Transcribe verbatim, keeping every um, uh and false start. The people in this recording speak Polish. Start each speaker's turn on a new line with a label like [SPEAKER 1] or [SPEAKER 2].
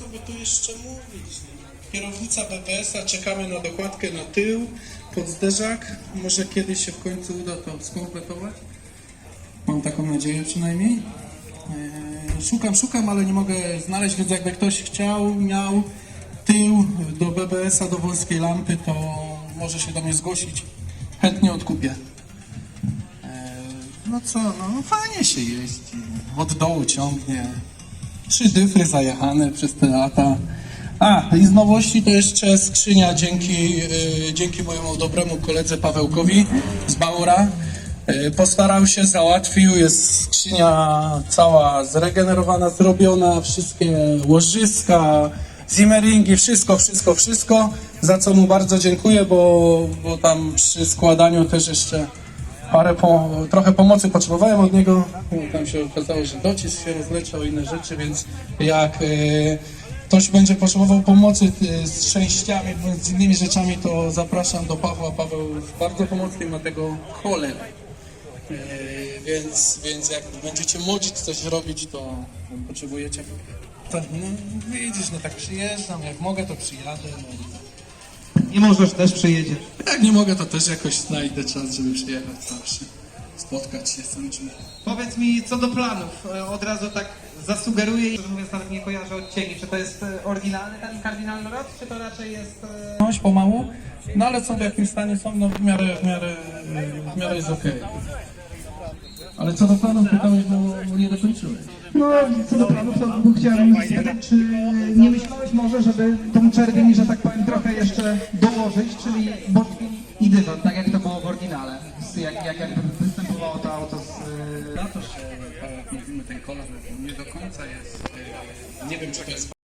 [SPEAKER 1] by tu jeszcze mówić? Kierownica B B S a, czekamy na dokładkę na tył, pod zderzak. Może kiedyś się w końcu uda to skompletować. Mam taką nadzieję przynajmniej. Eee, szukam, szukam, ale nie mogę znaleźć, więc jakby ktoś chciał, miał tył do B B S a, do wąskiej lampy, to może się do mnie zgłosić. Chętnie odkupię. Eee, no co, no fajnie się jeździ. Od dołu ciągnie. Trzy dyfry zajechane przez te lata. A, i z nowości to jeszcze skrzynia dzięki, yy, dzięki mojemu dobremu koledze Pawełkowi z Baura. Yy, postarał się, załatwił, jest skrzynia cała zregenerowana, zrobiona, wszystkie łożyska, zimmeringi, wszystko, wszystko, wszystko, za co mu bardzo dziękuję, bo, bo tam przy składaniu też jeszcze parę, po, trochę pomocy potrzebowałem od niego. Tam się okazało, że docisk się rozleciał i inne rzeczy, więc jak yy, ktoś będzie potrzebował pomocy z częściami, z innymi rzeczami, to zapraszam do Pawła. Paweł jest bardzo pomocny, ma tego cholerę. Yy, więc, więc jak będziecie młodzić coś robić, to potrzebujecie. To, no widzisz, no tak przyjeżdżam, jak mogę, to przyjadę. No.
[SPEAKER 2] Nie możesz, też przyjedzie.
[SPEAKER 1] Jak nie mogę, to też jakoś znajdę czas, żeby przyjechać zawsze. Spotkać się z tym czymś.
[SPEAKER 2] Powiedz mi co do planów. Od razu tak zasugeruję, że mówiąc nawet nie kojarzę odcieni. Czy to jest oryginalny ten kardynalny rok, czy to raczej jest...
[SPEAKER 1] Noś pomału, no ale są w jakim stanie są, no w miarę, w miarę, w miarę jest okej. Ale co do planów pytałeś, bo nie dokończyłeś.
[SPEAKER 2] No, co do planów, to chciałem spytać, czy nie myślałeś może, żeby tą czerwień, że tak powiem, trochę jeszcze dołożyć, czyli botwin i dywan, tak jak to było w oryginale. Jak, jak jakby występowało to auto z...
[SPEAKER 1] Na to, że tak jak mówimy, ten kolor nie do końca jest, nie wiem czy to jest